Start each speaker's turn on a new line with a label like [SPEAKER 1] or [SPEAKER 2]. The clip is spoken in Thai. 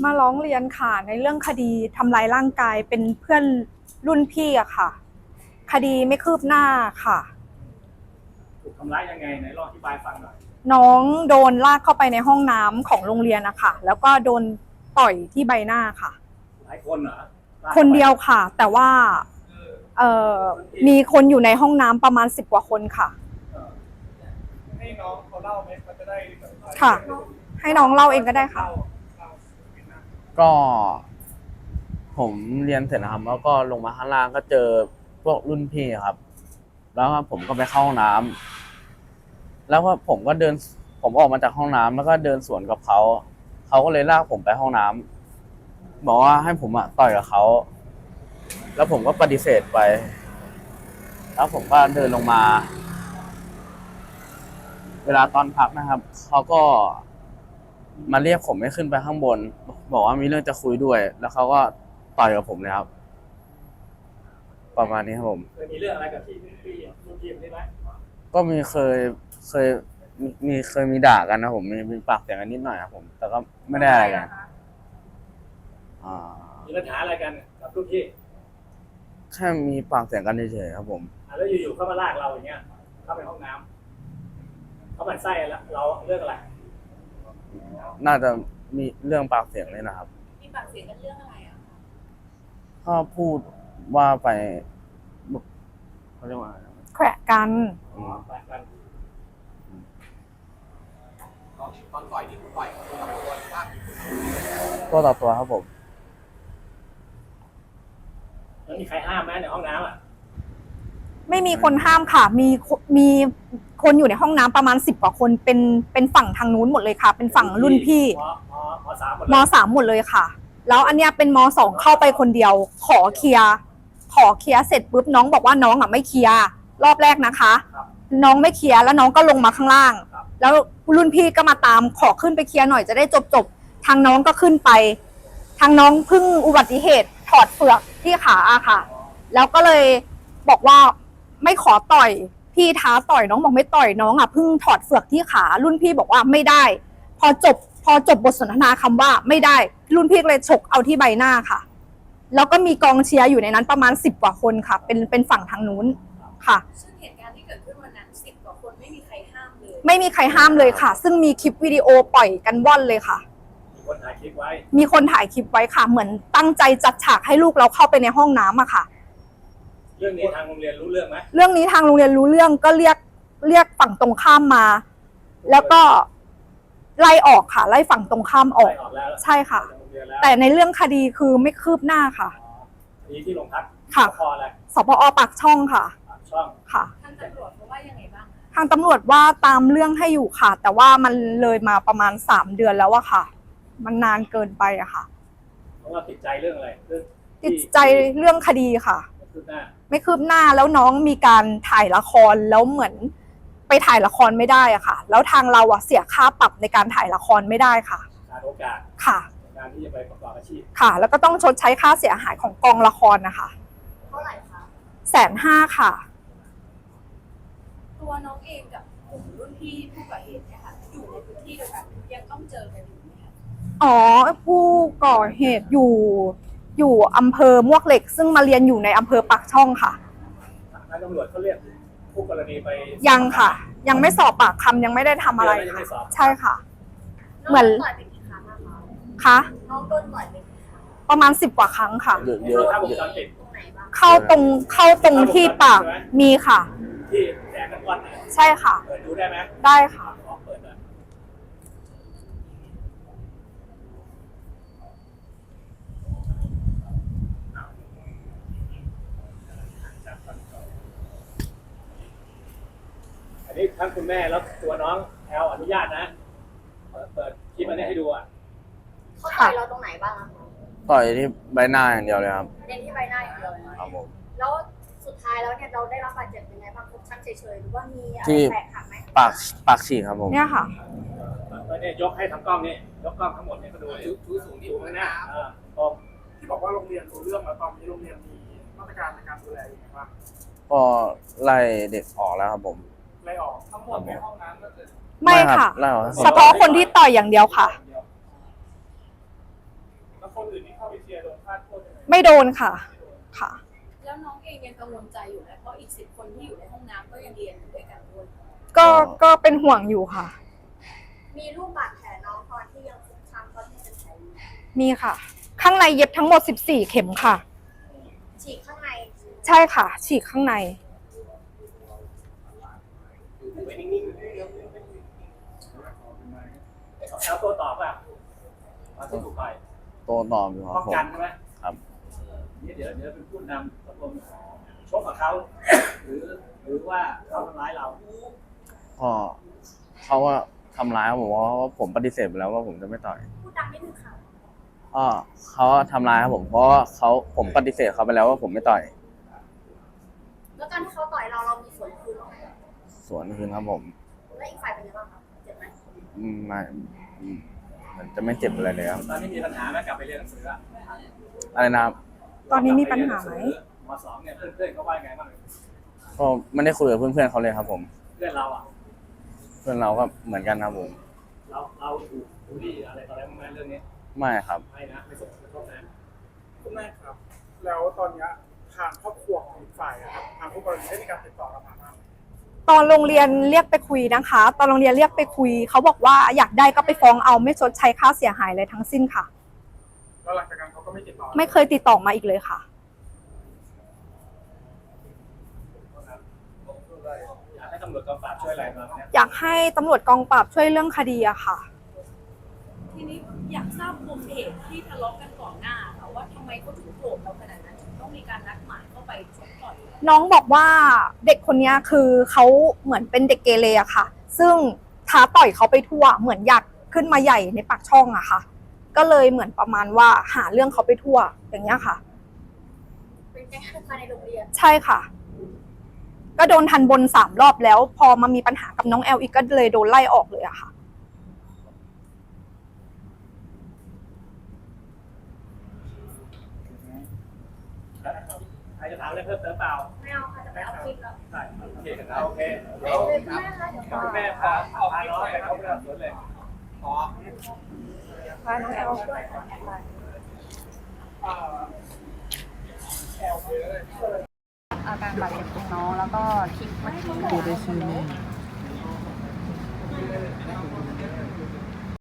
[SPEAKER 1] มาร้องเรียนค่ะในเรื่องคดีทำร้ายร่างกายเป็นเพื่อนรุ่นพี่อะค่ะคดีไม่คืบหน้าค่ะ
[SPEAKER 2] ถูกทำร้ายยังไงไหนลองอธิบายฟังหน่อย
[SPEAKER 1] น้องโดนลากเข้าไปในห้องน้ำของโรงเรียนอะแล้วก็โดนต่อยที่ใบหน้าค่ะ
[SPEAKER 2] หลายคนเหรอ
[SPEAKER 1] คนเดียวค่ะแต่ว่ามีคนอยู่ในห้องน้ำประมาณ10 กว่าคนค่ะ
[SPEAKER 2] ให้น้องเขาเล่าไหมเขาจะได้
[SPEAKER 1] ค่ะให้น้องเล่าเองก็ได้ค่ะ
[SPEAKER 3] ก็ผมเรียนเสร็จนะครับแล้วก็ลงมาข้างล่างก็เจอพวกรุ่นพี่ครับแล้วผมก็ไปเข้าห้องน้ำแล้วก็ผมออกมาจากห้องน้ำแล้วก็เดินสวนกับเขาก็เลยลากผมไปห้องน้ำบอกว่าให้ผมต่อยกับเขาแล้วผมก็ปฏิเสธไปแล้วผมก็เดินลงมาเวลาตอนพักนะครับเขาก็มาเรียกผมให้ขึ้นไปข้างบนบอกว่ามีเรื่องจะคุยด้วยแล้วเขาก็ต่อยกับผมเลยครับประมาณนี้ครับผม
[SPEAKER 2] เคยมีเรื่องอะไรกับที่รุ่นพี่ได้ไหม
[SPEAKER 3] ก็เคยมีด่ากันนะผมมีปากเสียงกันนิดหน่อยครับผมแต่ก็ไม่ได้อะไรกัน
[SPEAKER 2] มีปัญหาอะไรกันกับรุ่นพี่
[SPEAKER 3] แค่มีปากเสียงกันเฉยๆครับผม
[SPEAKER 2] แล้วอยู่ๆเข้ามาลากเราอย่างเงี้ยเข้าไปห้องน้ำเขาหมั่นไส้เราเรื่องอะไร
[SPEAKER 3] น่าจะมีเรื่องปากเสียงเลยนะครับ
[SPEAKER 4] มีปากเสียงกันเรื่องอะไรอ่ะ
[SPEAKER 3] ก็พูดว่าไปเขาเรียกว่าอะไร
[SPEAKER 1] แขวะกัน
[SPEAKER 2] แขวะกัน
[SPEAKER 5] ตอนต่อยที่คุณต่อย
[SPEAKER 3] ตัวต่อตัวครับผม
[SPEAKER 2] แล้วมีใครห้ามไหมในห้องน้ำ
[SPEAKER 1] ไม่มีคนห้ามค่ะมีคนอยู่ในห้องน้ำประมาณ10 กว่าคนเป็นฝั่งทางนู้นหมดเลยค่ะเป็นฝั่งรุ่นพี่ม.3 หมดเลยค่ะแล้วอันเนี้ยเป็นม.2 เข้าไปคนเดียวขอเคลียร์เสร็จปุ๊บน้องบอกว่าน้องไม่เคลียร์รอบแรกนะคะน้องไม่เคลียร์แล้วน้องก็ลงมาข้างล่างแล้วรุ่นพี่ก็มาตามขอขึ้นไปเคลียร์หน่อยจะได้จบทางน้องก็ขึ้นไปทางน้องเพิ่งอุบัติเหตุถอดเฟือกที่ขาค่ะแล้วก็เลยบอกว่าไม่ขอต่อยพี่ท้าต่อยน้องบอกไม่ต่อยน้องเพิ่งถอดเฟือกที่ขารุ่นพี่บอกว่าไม่ได้พอจบบทสนทนาคำว่าไม่ได้รุ่นพี่เลยฉกเอาที่ใบหน้าค่ะแล้วก็มีกองเชียร์อยู่ในนั้นประมาณ10 กว่าคนค่ะเป็นฝั่งทางนู้นค่ะ
[SPEAKER 4] ซึ่งเหตุการณ์ที่เกิดขึ้นวันนั้น10 กว่าคนไม่มีใครห้ามเลย
[SPEAKER 1] ไม่มีใครห้ามเลยค่ะซึ่งมีคลิปวิดีโอปล่อยกันว่อนเลยค่ะ
[SPEAKER 2] มีคนถ่ายคลิปไว้
[SPEAKER 1] ค่ะเหมือนตั้งใจจัดฉากให้ลูกเราเข้าไปในห้องน้ำค่ะ
[SPEAKER 2] เรื่องนี้ทางโรงเรียนรู้เรื่องไหม
[SPEAKER 1] เรื่องนี้ทางโรงเรียนรู้เรื่องก็เรียกฝั่งตรงข้ามมาแล้วก็ไล่ออกค่ะไล่ฝั่งตรงข้ามออกใช่ค่ะแต่ในเรื่องคดีคือไม่คืบหน้าค่ะ
[SPEAKER 2] คดีที่โรงพัก
[SPEAKER 1] ค่ะสพอ.ปากช่องค่ะค่ะ
[SPEAKER 4] ทางตำรวจเขาว่ายังไงบ้าง
[SPEAKER 1] ทางตำรวจว่าตามเรื่องให้อยู่ค่ะแต่ว่ามันเลยมาประมาณ3 เดือนแล้วอะค่ะมันนานเกินไปอะค่ะ
[SPEAKER 2] เพราะว่าติดใจเรื่องอะไร
[SPEAKER 1] ติดใจเรื่องคดีค่ะไม่คืบหน้าแล้วน้องมีการถ่ายละครแล้วเหมือนไปถ่ายละครไม่ได้อะค่ะแล้วทางเราเสียค่าปรับในการถ่ายละครไม่ได้ค่ะ
[SPEAKER 2] ขาดโอกาส
[SPEAKER 1] ค่ะ
[SPEAKER 2] การที่จะไปประกอบอาชีพ
[SPEAKER 1] ค่ะแล้วก็ต้องชดใช้ค่าเสียหายของกองละครนะคะ
[SPEAKER 4] เท่าไหร่คะ
[SPEAKER 1] 150,000ค่ะ
[SPEAKER 4] ตัวน้องเองกับกลุ่มรุ่นพี่ผู้ก่อเหตุเนี่ยค่ะอยู่ในพื้นที่เดียวกันยังต้องเจอกันอยู่ไหมคะ
[SPEAKER 1] ผู้ก่อเหตุอยู่อำเภอมวกเหล็กซึ่งมาเรียนอยู่ในอำเภอปากช่องค่ะ
[SPEAKER 2] ทางตำรวจเขาเรียกผู้กรณีไป
[SPEAKER 1] ยังค่ะยังไม่สอบปากคำยังไม่ได้ทำอะไรค่ะใช่ค่ะ
[SPEAKER 4] เหมือนต่อยไปกี่ครั้ง
[SPEAKER 1] คะ
[SPEAKER 4] น้องโดนต่อยไปกี่ครั้ง
[SPEAKER 1] ประมาณ10 กว่าครั้งค่ะ
[SPEAKER 3] เยอะ
[SPEAKER 1] เข้าตรงที่ปากมีค่ะ
[SPEAKER 2] ที่แดงกันวัน
[SPEAKER 1] ใช่ค่ะ
[SPEAKER 2] เปิดดูได้ไหม
[SPEAKER 1] ได้ค่ะ
[SPEAKER 2] อันนี้ทั้งคุณแม่แล้วตัวน้องแอลอนุญาตนะเปิดคลิปอันนี้ให้ดู
[SPEAKER 4] เขาต่อยเราตรงไหนบ้างคะ
[SPEAKER 3] ต่อยที่ใบหน้าอย่างเดียวเลยครับ
[SPEAKER 4] เน้นที่ใบหน้าอย่างเดียวเลย
[SPEAKER 3] ครับผม
[SPEAKER 4] แล้วสุดท้ายแล้วเนี่ยเราได้รับบาดเจ็บยังไงบ้างฟกช้ำเฉยๆหรือว่ามีอะไรแตกหักไหม
[SPEAKER 3] ปากฉีกครับผม
[SPEAKER 1] เนี่ยค่ะ
[SPEAKER 2] เนี่ยยกให้ทำกล้องนี่ยกกล้องทั้งหมดเนี่ยก็ดู
[SPEAKER 5] ชูสูงที่
[SPEAKER 2] ข้างหน้า
[SPEAKER 5] ที่บอกว่าโรงเรียนรู้เรื่องแล้วตอนนี้โรงเรียนมีมาตรการในการดูแลยังไงบ้าง
[SPEAKER 3] ก็ไล่เด็กออกแล้วครับผม
[SPEAKER 5] ไล่ออกทั้งหมดในห้องน้ำก็คือ
[SPEAKER 1] ไม่ค่ะเฉพาะคนที่ต่อยอย่างเดียวค่ะไม่โดนค่ะค่ะ
[SPEAKER 4] แล้วน้องเองยังกังวลใจอยู่ไหมเพราะอีก10 คนที่อยู่ในห้องน้ำก็ยังเรียนอยู่ด้วยกันด้วย
[SPEAKER 1] ก็เป็นห่วงอยู่ค่ะ
[SPEAKER 4] มีรูปบาดแผลน้องตอนที่ยังฟกช้ำตอนที่เป็นแผลอยู่ มี
[SPEAKER 1] ค่ะ ข้างในเย็บทั้งหมด14เข็มค่ะ
[SPEAKER 4] ฉีกข้างใน
[SPEAKER 1] ใช่ค่ะ ฉีกข้างใน
[SPEAKER 2] ไว้นิ่งๆแล้วตัวตอบอ่ะมาที่ถูกไป
[SPEAKER 3] โตตอบอยู่ครับ
[SPEAKER 2] ป้อง
[SPEAKER 3] ผม
[SPEAKER 2] กันใช่ไหม
[SPEAKER 3] ครับ
[SPEAKER 2] นี่เดี๋ยวเป็นผู้นำตกลงชกกับเขาหรือว่าเขาทำร้ายเรา
[SPEAKER 3] ก็เขาว่าทำร้ายผมเพราะว่าผมปฏิเสธไปแล้วว่าผมจะไม่ต่อย
[SPEAKER 4] พูดดังนิดนึงค่ะ
[SPEAKER 3] ก็เขาทำร้ายครับผมเพราะว่าผมปฏิเสธเขาไปแล้วว่าผมไม่ต่อย
[SPEAKER 4] แล้วการที่เขาต่อยเรามีส่วนคืนไหม
[SPEAKER 3] สวนคืนครับผม
[SPEAKER 4] แล้วอีกฝ่ายเป็นยังไงบ้างคะเจ็บไหม
[SPEAKER 3] ไม่มันจะไม่เจ็บอะไรเลยครับ
[SPEAKER 2] ตอนนี้มีปัญหาไหมกลับไปเรียนหนังสืออะ
[SPEAKER 3] อะไรนะครับ
[SPEAKER 1] ตอนนี้มีปัญหาไหม
[SPEAKER 2] ม.2เนี่ยเพื่อนๆเขาว่าไงบ้าง
[SPEAKER 3] ก็ไม่ได้คุยกับเพื่อนๆเขาเลยครับผม
[SPEAKER 2] เพื่อนเราอ่ะ
[SPEAKER 3] เพื่อนเราก็เหมือนกันครับผม
[SPEAKER 2] เราถูกบูลลี่อะไรต่ออะไรบ้างไหมเรื่องนี้
[SPEAKER 3] ไม่ครับ
[SPEAKER 2] ไม่นะไม่สมควรนะ
[SPEAKER 5] คุณแม่ครับ แล้วตอนเนี้ยทางครอบครัวของอีกฝ่ายอะครับทางผู้กรณีได้มีการติดต่อเรามาบ้างไหม
[SPEAKER 1] ตอนโรงเรียนเรียกไปคุยนะคะ ตอนโรงเรียนเรียกไปคุยเขาบอกว่าอยากได้ก็ไปฟ้องเอาไม่ชดใช้ค่าเสียหายอะไรทั้งสิ้นค่ะ
[SPEAKER 5] แล้วหลังจากนั้นเขาก็ไม่ติดต่อ
[SPEAKER 1] ไม่เคยติดต่อมาอีกเลยค่ะ
[SPEAKER 2] อยากให้ตำรวจกองปราบช่วยอะไรมาเนี่ย
[SPEAKER 1] อยากให้ตำรวจกองปราบช่วยเรื่องคดีอะค่ะ
[SPEAKER 4] ทีนี้อยากทราบปมเหตุที่ทะเลาะกันก่อนหน้าค่ะว่าทำไมเขาถึงโกรธเราขนาดนั้นถึงต้องมีการนัดหมายเข้าไปชกต่อย
[SPEAKER 1] น้องบอกว่าเด็กคนนี้คือเขาเหมือนเป็นเด็กเกเรอะค่ะ ซึ่งท้าต่อยเขาไปทั่ว เหมือนอยากขึ้นมาใหญ่ในปากช่องอะค่ะ ก็เลยเหมือนประมาณว่าหาเรื่องเขาไปทั่วอย่างเงี้ยค่ะ
[SPEAKER 4] เป็นแก๊งอันธพาลในโรงเรียน
[SPEAKER 1] ใช่ค่ะ ก็โดนทันบน3 รอบแล้ว พอมามีปัญหากับน้องแอลอีกก็เลยโดนไล่ออกเลยอะค่ะ
[SPEAKER 2] ใครจะถามอะไรเพิ่มเติมเปล่า
[SPEAKER 4] ไม่เอาค่ะจะไปเอาคลิปแล้ว
[SPEAKER 2] ใช่โอเคโอเค
[SPEAKER 4] เดี๋ยวคุณแม่คะเดี๋ยวขอ
[SPEAKER 2] คุณแม่พาน้องไปเข้าเรื่องสวนเลยขอ
[SPEAKER 1] พาน้องแอล
[SPEAKER 6] อาการบาดเจ็บของน้องแล้วก็คลิปเมื่อกี้